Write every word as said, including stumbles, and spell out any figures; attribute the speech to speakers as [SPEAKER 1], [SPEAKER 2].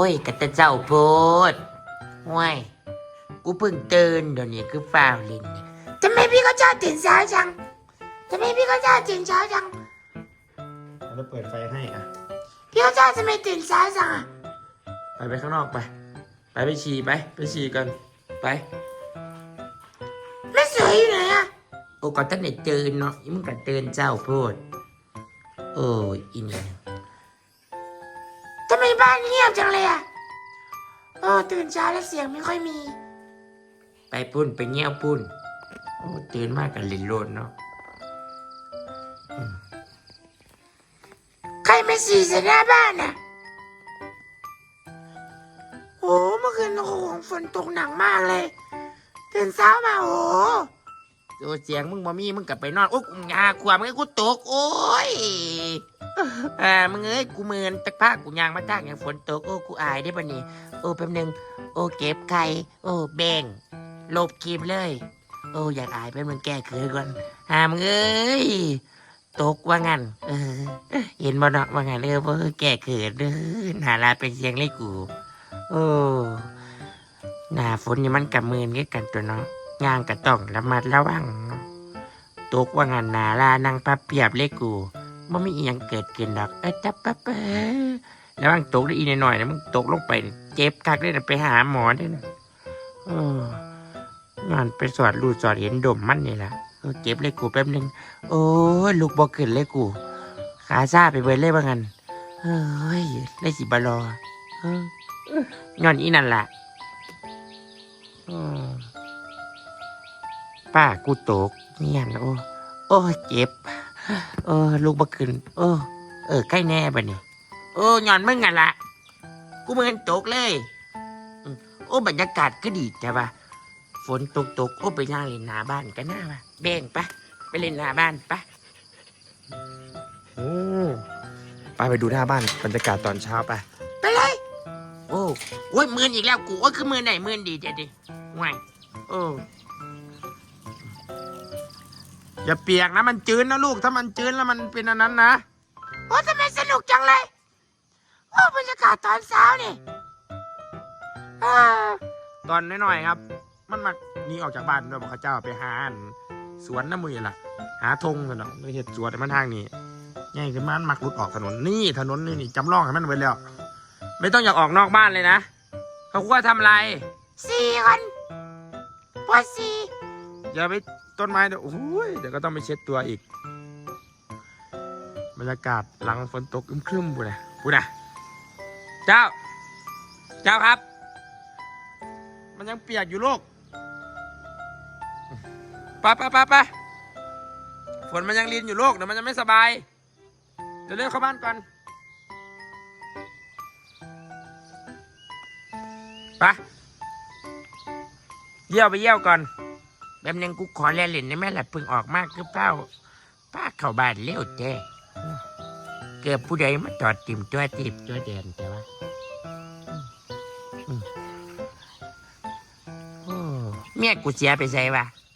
[SPEAKER 1] ยกะตะเจ้าโพดห่วยกูเพิ่งตื่นเดี๋ยวนี้คือฟ้าวเลินเนี่ยทำไมพี่เขาชอบตื่นเช้าจังทำไมพี่เขาชอบตื่นเช้าจัง
[SPEAKER 2] เราเปิดไฟให้อ่ะ
[SPEAKER 1] พี่เขาชอบทำไมตื่นเช้าจังอ่ะ
[SPEAKER 2] ไปไปข้างนอกไปไปไปฉี่ไปไปฉี่กันไป
[SPEAKER 1] แม่สวยอยู่ไหนอ่ะ
[SPEAKER 2] โอ้ก็ตั้งแต่ตื่นเนาะมึงก็ตื่นเจ้าโพดโอ้ยอิน
[SPEAKER 1] ทำไมบ้านเงียบจังเลยอ่ะโอ้ตื่นเช้าแล้วเสียงไม่ค่อยมี
[SPEAKER 2] ไปพุ่นไปเงี้ยวพุ่นโอ้ตื่นมากกันลินโลดเนาะ
[SPEAKER 1] ใครมาฉี่ใส่หน้าบ้านน่ะโอ้เมื่อคืนโอ้โหฝนตกหนักมากเลยตื่นเช้ามาโอ้
[SPEAKER 2] โอ้เสียงมึงบ่มีมึงกลับไปนอนโอ้กูงาขวามึงกูตกโอ้ยอ่ามึงเอ้ยกูเมินตะผ้ากูยางมาตากอย่างฝนตกโอ้กูอายได้ปะนี่โอ้แป๊บนึงโอ้เก็บไข่โอ้แบ่งลบคลิปเลยโอ้อยากอายแป๊บนึงแก้เขินก่อนหามึงเอ้ยตกว่างั้นเออเห็นบ่เนาะว่างั้นเออเพราะแก้เขินเด้อหาลาเป็นเสียงเลยกูโอ้หน้าฝนนี่มันกับมือนกันตัวเนาะงานก็ต้องระมัดระวังตกว่างั้นหนาลานั่งพับเพียบเลยกูมันไม่อีหยังเกิดขึ้นดอกเอ้ยจับปั๊บเอ้ยแล้วมันตกได้อีหน่อยๆนะมึงตกลงไปเจ็บคักเลยนะไปหาหมอด้วยนะโอ้งานไปสอดรูสอดเห็นดมมันนี่แหละเจ็บเลยกูแป๊บนึงโอ้ยลูกบอกขึ้นเลยกูขาซาไปเบิดเลยว่างั้นเฮ้ยได้สิบารอเงอนอีนั่นแหละป้ากูตกเนี่ยโอ้โอ้เจ็บเออลูกบ่ขึ้นเออเออใกล้แน่บ่เนี่ยโอ้ย้อนมึงกันละกูมึงตกเลยโอ้บรรยากาศก็ดีแต่ว่าฝนตกตกโอ้ไปย่างเล่นหน้าบ้านกันหน้าป่ะแบ่งปะไปเล่นหน้าบ้านปะโอ้ไปไปดูหน้าบ้านบรรยากาศตอนเช้าไป
[SPEAKER 1] ไปเลย
[SPEAKER 2] โอ้โอ้ยมือนอีกแล้วกูโอ้คือมือไหนมือนดีเจดิห่วยโอ้อย่าเปียกนะมันจืดนะลูกถ้ามันจืดแล้วมันเป็นอันนั้นนะ
[SPEAKER 1] โอ้ทำไมสนุกจังเลยโอ้บรรยากาศตอนเช้านี่
[SPEAKER 2] ตอนน้อยๆครับมันมานี่ออกจากบ้านเราบอกเขาเจ้าไปหาสวนน้ำมือล่ะหาธงกันเนาะไม่เห็นสวนมันทางนี้ง่ายขึ้นมันมักรุดออกถนนนี่ถนนนี่นี่จำลองให้มันไว้แล้วไม่ต้องอยากออกนอกบ้านเลยนะเขาคุยทำอะไร
[SPEAKER 1] สี่คนปวดสี่
[SPEAKER 2] อย่าไปต้นไม้เดี๋ยวโอ้ยเดี๋ยวก็ต้องไปเช็ดตัวอีกบรรยากาศหลังฝนตกอึมครึมพูดนะพูดนะเจ้าเจ้าครับมันยังเปียกอยู่ลูกไปไปไปไปฝนมันยังลินอยู่ลูกเดี๋ยวมันจะไม่สบายเดี๋ยวเร็วเข้าบ้านก่อนไปเยี่ยวไปเยี่ยวก่อนแบบนึงกูขอแลเล่นได้ไหมล่ะเพิ่งออกมากคือเป้าป้าเข้าบ้านเร็วแจ้เกือบผู้ใดมาจอดติ่มตัวติบตัวแดนแต่ว่าเมียกูเสียไปใส่วะ